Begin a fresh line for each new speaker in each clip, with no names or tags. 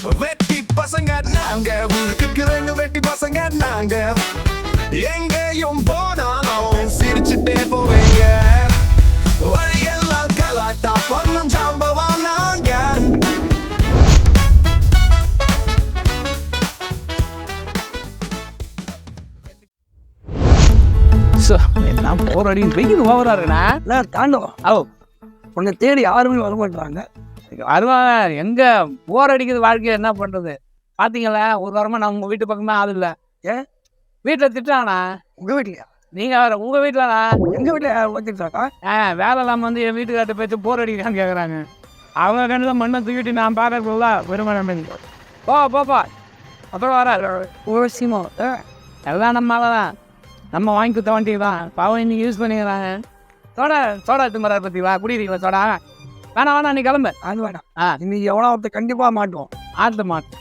வெட்டி பசங்க நாங்க, ஊருக்கு ரெண்டு வெட்டி பசங்க நாங்க. எங்கேயும் போனாலும் சிரிச்சுட்டே போவீங்க. வழியெல்லாம் கலாட்டா பண்ணும் சம்பவம் நாங்க.
நான் போற அடி வெயில் ஓவராருண்ணா.
நான் தாண்டவம்
ஓ
உன்னை தேடி யாருமே வர மாட்டாங்க.
வருவாங்க. எங்க போர் அடிக்குது வாழ்க்கையை, என்ன பண்றது? பாத்தீங்களா, ஒரு வாரமா நான் உங்க வீட்டு பக்கமே ஆள் இல்லை.
ஏன்
வீட்டுல திட்டாங்கண்ணா.
உங்க வீட்லையா?
நீங்க வேற உங்க வீட்டுலண்ணா.
எங்க வீட்டுல ஓட்டிட்டாக்கா?
வேலை இல்லாம வந்து என் வீட்டுக்கார்ட்ட பேச்சு போர் அடிக்கிறான்னு கேக்குறாங்க. அவங்க கண்டு மண்ணை தூக்கிட்டு நான் பாக்கல பெருமாள் போப்பா அப்புறம் வர
ஓசியமா
எல்லாம் நம்மளாதான் நம்ம வாங்கி கொடுத்த வண்டி தான். பாவம் இன்னைக்கு யூஸ் பண்ணிக்கிறாங்க. சோடா எடுத்து மர பத்திங்களா, குடிக்கிறீங்களா சோடா? வேணாம் நீ கிளம்பு.
அது வேணாம். இன்னைக்கு எவ்வளோ ஒருத்தர் கண்டிப்பா மாட்டோம்.
ஆட்ட மாட்டோம்.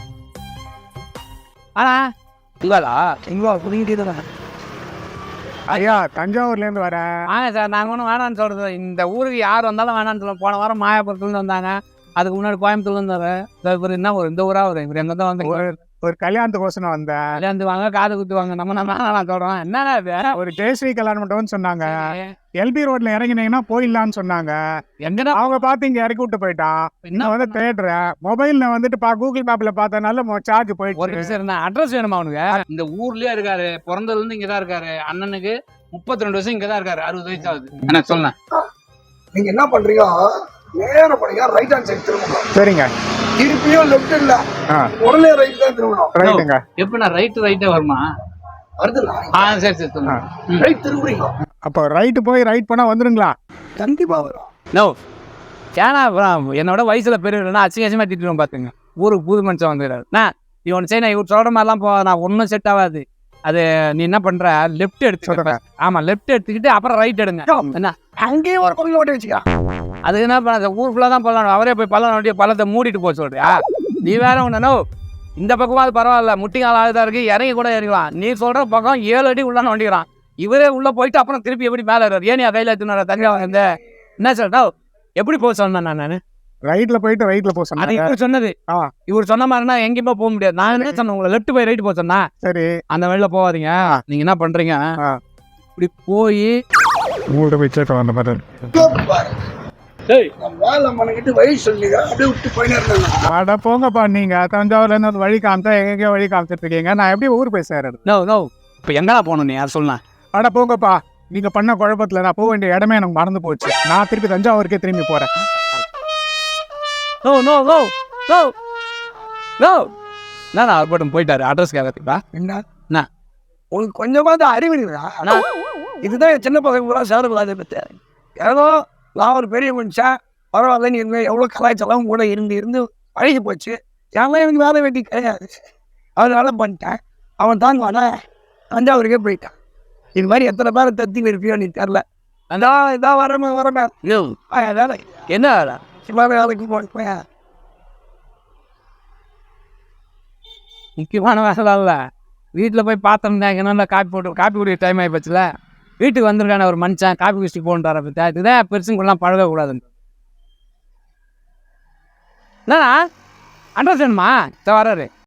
ஆனா இல்லடா
எங்களோ புரிஞ்சுட்டே தானே.
ஐயா தஞ்சாவூர்லேருந்து வரேன்.
வாங்க சார். நாங்கள் ஒன்றும் வேணான்னு சொல்கிறது. இந்த ஊருக்கு யார் வந்தாலும் வேணான்னு சொல்லுவோம். போன வாரம் மாயாபுரத்துலேருந்து வந்தாங்க. அதுக்கு முன்னாடி கோயம்புத்தூர்லேருந்து வர இவர் என்ன ஒரு இந்த ஊராக வரும். இவர் எங்கே தான் வந்து
ஒரு கல்யாணத்துக்கோசனம் வந்தேன்.
கல்யாணத்து வாங்க, காது குத்துவாங்க. நம்ம நான் சொல்கிறோம் என்னன்னா இது
ஒரு ஜெயஸ்ரீ கல்யாணம் மண்டபம்னு சொன்னாங்க. எல்பி ரோட்ல இறங்கினீங்கன்னா போயிடலான்னு சொன்னாங்க.
எங்கன்னா
அவங்க பார்த்து இங்க இறக்கி விட்டு போயிட்டான். இன்னும் வந்து தேடுறேன். மொபைல்ல வந்துட்டு கூகுள் மேப்ல பார்த்தனால சார்ஜ்
ஒரு
போயிட்டு.
நிமிஷம் இருந்தா அட்ரஸ் வேணுமா அவனுக்கு? இந்த ஊர்லயே இருக்காரு. பிறந்ததுலேருந்து இங்கே தான் இருக்காரு. அண்ணனுக்கு 32 வருஷம் இங்கே தான் இருக்காரு. 60 வயசு ஆகுது. என்ன சொல்ல?
நீங்க என்ன பண்றீங்க? நேரம் பண்ணீங்க, ரைட் ஹேண்ட் சைடு திரும்பணும்.
சரிங்க.
திருப்பியும் லெஃப்ட் இல்ல, உடனே ரைட் தான் திரும்பணும்.
ரைட்டுங்க.
எப்ப நான் ரைட்டே வருமா?
அடுத்து
சரி சொல்லுங்க.
ரைட் திரும்புறீங்க.
அப்போ ரைட்டு போய் ரைட் பண்ணா வந்துருங்களா?
கண்டிப்பா வரும்.
நோ ஏன்னா என்னோட வயசுல பெரியவனா அசிங்கமா திட்டுவோம். பாத்துங்க, ஊருக்கு புது மனுஷன் வந்துடுறாரு. நீ ஒன்று செய்ய, இவர் சொல்ற மாதிரிலாம் நான் ஒன்றும் செட் ஆகாது. அது நீ என்ன பண்ற, லெஃப்ட் எடுத்து. ஆமா, லெஃப்ட் எடுத்துக்கிட்டு அப்புறம் ரைட் எடுங்க. என்ன
அங்கேயே ஒரு கோயில் ஓட்டி வச்சுக்கா.
அது என்ன பண்ண, ஊருக்குள்ள தான் பள்ளம். அவரே போய் பள்ளத்தை மூடிட்டு போக சொல்றியா? நீ வேற ஒண்ணு. இந்த பக்கமா அது பரவாயில்ல, முட்டிங்கால் ஆகுதா இருக்கு, இறங்கி கூட இறங்கலாம். நீ சொல்ற பக்கம் 7 அடி உள்ளான்னு வண்டிக்கிறான். இவரே உள்ள போயிட்டு அப்புறம் திருப்பி எப்படி மேலே ஏறாரு? ஏன் கையில எடுத்துனார தனியா வந்து என்ன சொல்றா? எப்படி போக சொன்னேன் நான்?
ரைட்ல போயிட்டு ரைட்ல போக சொன்னேன்.
இவர் சொன்னது. இவர் சொன்ன மாதிரினா எங்கேயுமே போக முடியாது. நான் என்ன சொன்னேன், உங்களை லெஃப்ட் போய் ரைட் போக சொன்னா.
சரி,
அந்த வழியில போகாதீங்க. நீங்க என்ன பண்றீங்க, இப்படி போய்
உங்கள்கிட்ட போய் சேர்க்க வந்த மாதிரி.
வேலை மணிக்கிட்டு வழி சொல்லிங்க, அப்படியே விட்டு போயினே இருந்தாங்க.
அட போங்கப்பா, நீங்க தஞ்சாவூர்ல இருந்து வழி காமிச்சா எங்கேயோ வழி காமிச்சிட்டு இருக்கீங்க. நான் எப்படி ஊர் போய் சேரது?
நோ இப்போ எங்கடா போகணும்? நீ யார் சொல்லலாம்?
அட போங்கப்பா, நீங்க பண்ண குழப்பத்துல நான் போக வேண்டிய இடமே எனக்கு மறந்து போச்சு. நான் திருப்பி தஞ்சாவூருக்கே திரும்பி போறேன்.
நான் அவர் போட்டும் போயிட்டாரு. அட்ரஸ் கேட்கறதுக்கா?
என்ன உங்களுக்கு கொஞ்சமாவது அறிவு இருக்குதா? இதுதான் என் சின்ன பசங்க கூட சேரக்கூடாது. பற்றி ஏதோ நான் ஒரு பெரிய மனுஷன், பரவாயில்ல, நீ இருந்த எவ்வளோ கலாய்ச்சலாம் கூட இருந்து பழகி போச்சு. ஏன்னா எனக்கு வேலை வேண்டி கிடையாது, அதனால பண்ணிட்டேன். அவன் தாங்குவானா? தஞ்சாவூருக்கே போயிட்டான். இது மாதிரி எத்தனை பேரை தத்தி இருப்பியோ நீ தெரில. இதான் வரமே வேலை.
என்ன வேலை?
சும்மா வேலைக்கு போய்
முக்கியமான வேலை இல்லை. வீட்டில் போய் பார்த்தோம்னா என்ன காப்பி குடிக்கிற டைம் ஆகி போச்சுல. வீட்டுக்கு வந்திருக்கான ஒரு மனுஷன் காப்பி குடிச்சிட்டு போன்றார பற்றி. இதுதான் பெருசுங்கெல்லாம் பழகக்கூடாதுன்னு. என்னண்ணா அட்ரஸ் வேணுமா? வராரு.